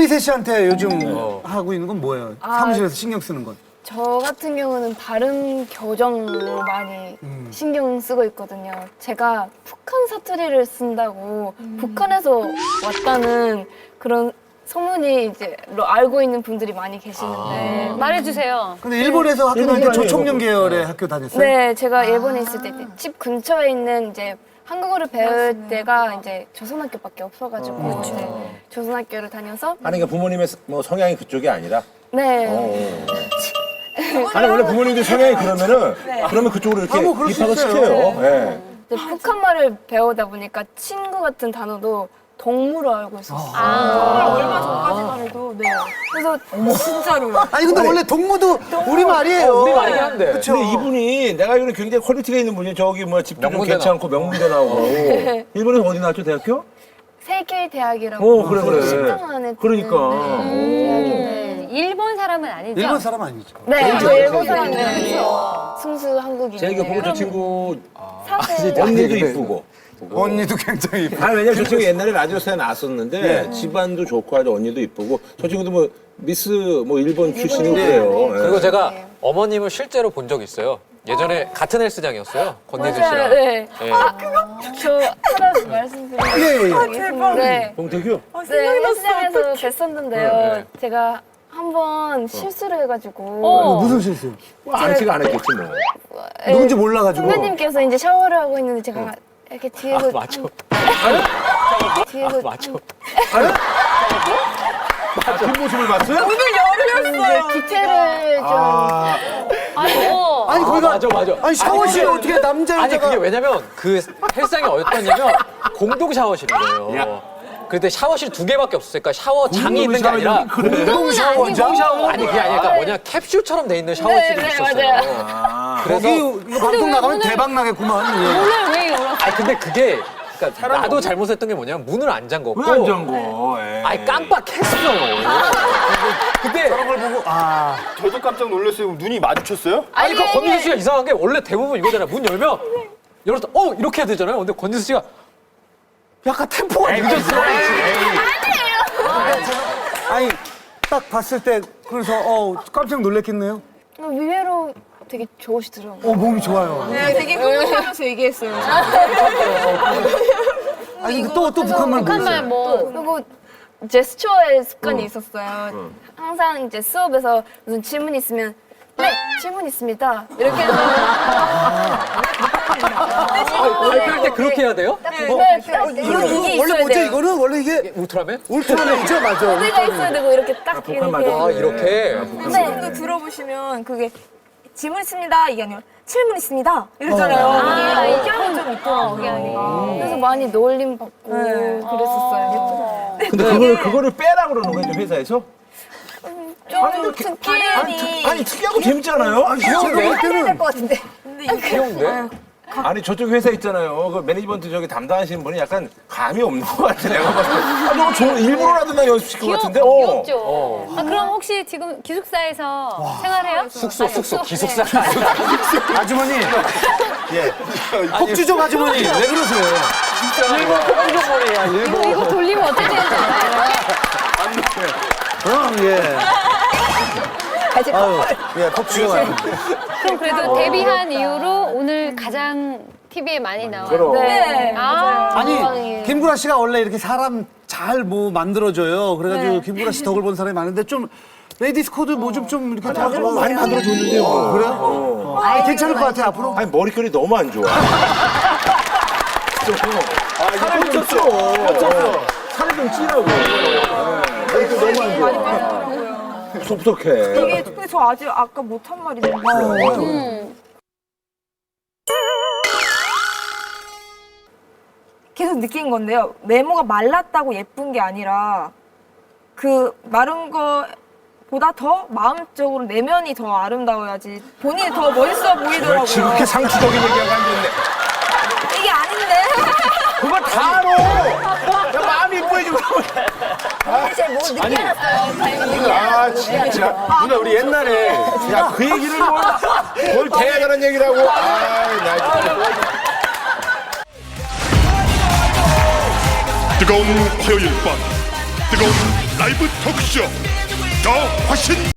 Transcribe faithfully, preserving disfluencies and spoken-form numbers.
원리세 씨한테 요즘 하고 있는 건 뭐예요? 아, 사무실에서 신경 쓰는 건? 저 같은 경우는 발음 교정을 많이 음. 신경 쓰고 있거든요. 제가 북한 사투리를 쓴다고 북한에서 왔다는 그런 소문이 이제 로- 알고 있는 분들이 많이 계시는데 말해주세요. 근데 일본에서 학교 다닐 때 조총련 계열의 학교 다녔어요? 네, 제가 일본에 있을 때 집 근처에 있는 이제 한국어를 배울 때가 이제 조선학교밖에 없어가지고 네, 조선학교를 다녀서 아니 그러니까 부모님의 뭐 성향이 그쪽이 아니라. 네. 어. 아니 원래 부모님들 성향이 그러면은 그러면 그쪽으로 이렇게 아, 뭐 그럴 수 입학을 있어요. 시켜요. 예. 이제 북한말을 배우다 보니까 친구 같은 단어도 동물로 알고 있었어요. 얼마 전까지만 해도 네. 그래서 진짜로요. 아니 근데 원래 동무도 우리 말이에요. 우리 말이긴 한데. 그쵸. 근데 이분이 내가 알기로는 굉장히 퀄리티가 있는 분이 저기 뭐 집도 좀 명문대 괜찮고 명문대 나오고. 일본에서 어디 나왔죠 대학교? 세계 대학이라고. 어 그래 그래. 십등 안에 그러니까. 네, 대학인데. 일본 사람은 아니죠? 일본 사람 아니죠? 네, 저 일본 사람이에요. 순수 한국인. 제가 보고 저 친구 사실 언니도 이쁘고. 언니도 굉장히 이쁘고. 아니 왜냐면 저 친구 옛날에 라디오스타에 나왔었는데 집안도 좋고 아주 언니도 이쁘고 저 친구도 뭐 미스 뭐 일본 출신이고 그래요. 예. 그리고 제가 어머님을 실제로 본 적 있어요. 예전에 같은 헬스장이었어요. 권예진 맞아요. 씨랑. 네. 예. 저 하나 말씀드리고 예, 예. 싶은 게 네. 봉태규? 네, 헬스장에서 뵀었는데요. 네, 네. 제가 한 번 실수를 해가지고 어, 무슨 실수? 뭐 아치가 안 했겠지 뭐. 네, 누군지 몰라가지고. 선배님께서 이제 샤워를 하고 있는데 제가 이렇게 뒤에서 아, 맞죠. 뒤에서 아, 맞죠. 뒷모습을 봤어요? 이제 디테일을 좀 아이고. 아니 거기가 맞아, 맞아. 아니 샤워실에 아니, 어떻게 남자 아니 여자가 그게 왜냐면 그 헬스장이 어였냐면 공동 샤워실인 거예요. 근데 샤워실 두 개밖에 없었어요. 그러니까 샤워장이 있는 게 아니라 공동 샤워장? 공동 샤워 아니 그게 아니라 그러니까 뭐냐 캡슐처럼 돼 있는 샤워실이 네, 네, 있었어요. 거기 그래서 이거 방송 나가면 대박 나겠구만. 예. 오늘 왜 열었어? 아니 근데 그게 그러니까 나도 잘못했던 게 뭐냐면 문을 안 잠궜고 왜안 잠궈? 에이. 아니 깜빡했어요. 근데 그걸 보고 아 저도 깜짝 놀랐어요. 눈이 마주쳤어요? 아니 그 권지수 씨가 이상한 게 원래 대부분 이거잖아요. 문 열면 열었다 어 이렇게 해야 되잖아요. 근데 권지수 씨가 약간 템포가 늦었어. 아니 딱 봤을 때 그래서 어 깜짝 놀랐겠네요. 의외로 되게 좋으시더라고요. 어 몸이 좋아요. 네, 되게 흥분하면서 얘기했어요. 아니 또 또 북한말 북한말 모르겠어요. 뭐. 그리고 제스처의 습관이 있었어요. 항상 이제 수업에서 무슨 질문 있으면 네 질문 있습니다 이렇게 해서 발표할 때 그렇게 해야 돼요? 네, 어, 딱 이거, 이게 이거 원래 있어야 뭐지 돼요. 이거는 원래 이게 울트라맨? 울트라맨이죠 맞아. 소리가 있어야 되고 이렇게 딱 북한 이렇게. 맞아. 아 이렇게. 지금도 들어보시면 그게 질문 있습니다 이게 아니라 질문 있습니다 이러잖아요. 아, 이게 이게 억양이 좀 있더라고요. 그래서 많이 놀림 받고 그랬었어요. 근데 그거를 그거를 빼라고 그러는 거예요, 좀 회사에서? 좀 특히 아니, 아니 특이하고 재밌잖아요. 아니, 제가 귀여운데? 볼 때는 것 같은데. 귀여운데? 아니 저쪽 회사 있잖아요. 그 매니지먼트 저기 담당하시는 분이 약간 감이 없는 것 같아. 내가 봤을 때. 아 저거 좋은 일부러라도 나 연습시킬 것 같은데. 어. 귀엽죠. 아, 그럼 혹시 지금 기숙사에서 생활해요? 숙소 아니, 숙소 숙소. 기숙사. 아주머니 예 폭주족 아주머니 왜 그러세요? 일본 폭주족머리야 일본. 이거, 이거 돌리면 어떻게 되는지 알아요? 그럼 예. 아유 예 폭주족 아주머니. 그럼 그래도 데뷔한 이후로 오늘 가장 티비에 많이 나와요. 그럼. 네. 아, 아니 김구라 씨가 원래 이렇게 사람 잘 뭐 만들어줘요. 그래가지고 김구라 씨 덕을 본 사람이 많은데 좀 레이디스 코드 뭐 좀 좀 이렇게 다 좀 많이 만들어줬는데요. 어, 그래요? 아, 괜찮을 것 같아 앞으로. 아니 머릿결이 너무 안 좋아. 살을 좀 쪄. 살을 좀 찌라고. 머릿결 너무 안 좋아. 섭섭해. 이게 근데 저 아직 아까 못한 말이 너무 많아요. 계속 느낀 건데요. 외모가 말랐다고 예쁜 게 아니라 그 마른 거보다 더 마음적으로 내면이 더 아름다워야지 본인이 더 멋있어 보이더라고요. 지극히 상투적인 얘기하고 앉았네. 이게 아닌데. 그거 다 알아. 야, 마음이 이뻐해지고. 아, 진짜. 누나, 우리 옛날에. 야, 그 얘기를 뭘, 뭘 대단한 얘기라고. 아, 나 진짜. 뜨거운 화요일 밤 뜨거운 라이브 토크쇼 더 화신